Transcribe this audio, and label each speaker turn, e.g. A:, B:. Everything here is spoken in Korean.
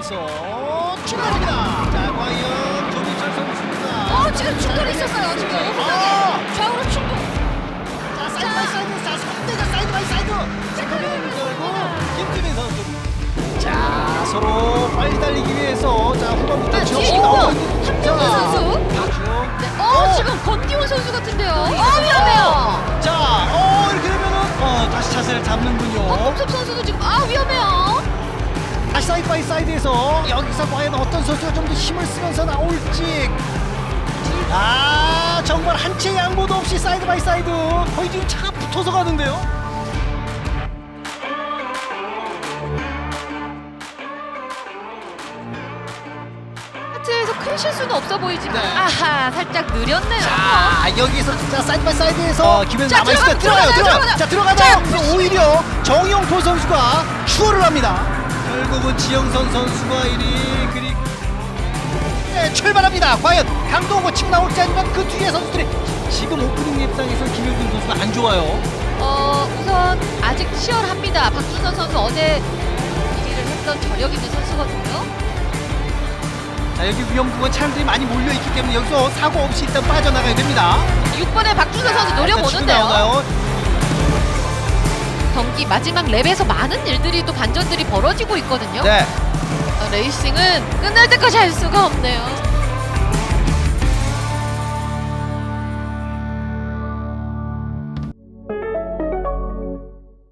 A: 들어가면서 추가합니다. 자, 과연 조민철 선수입니다.
B: 지금 충돌이 있었어요. 지금 좌우로 충돌.
A: 자, 사이드 바이 사이드. 자, 선대가 사이드 바이 사이드. 체크를 걸고 김지민 선수. 자, 서로 빨리 달리기 위해서 자, 후반부터
B: 뒤에
A: 지역이
B: 있고
A: 나오고 있는
B: 함정호 선수. 네. 지금 권기훈 선수 같은데요. 위험해요.
A: 자, 이렇게 되면은 다시 자세를 잡는군요.
B: 박범섭 선수도 지금 위험해요.
A: 다시 사이드 바이 사이드에서 여기서 과연 어떤 선수가 좀 더 힘을 쓰면서 나올지. 정말 한 채 양보도 없이 사이드 바이 사이드. 거의 지금 차가 붙어서 가는데요.
B: 하트에서 큰 실수는 없어 보이지만
A: 네.
B: 살짝 느렸네요.
A: 자, 여기서 자, 사이드 바이 사이드에서 기회는
B: 자,
A: 남아있으니까 들어가요. 자, 들어가다 오히려 정용포 선수가 추월을 합니다. 결국은 지영선 선수가 1위 그리고 출발합니다. 과연 강동호 치고 나올지 아니면 그 뒤에 선수들이 지금 오프닝 랩상에서 김효균 선수가 안 좋아요.
B: 우선 아직 치열합니다. 박준선 선수 어제 1위를 했던 저력 있는 선수거든요.
A: 자, 여기 위험 구간 차량들이 많이 몰려있기 때문에 여기서 사고 없이 일단 빠져나가야 됩니다.
B: 6번에 박준선 선수
A: 치고
B: 노려보는데요.
A: 나오나요?
B: 경기 마지막 랩에서 많은 일들이 또 반전들이 벌어지고 있거든요.
A: 네.
B: 레이싱은 끝날 때까지 할 수가 없네요.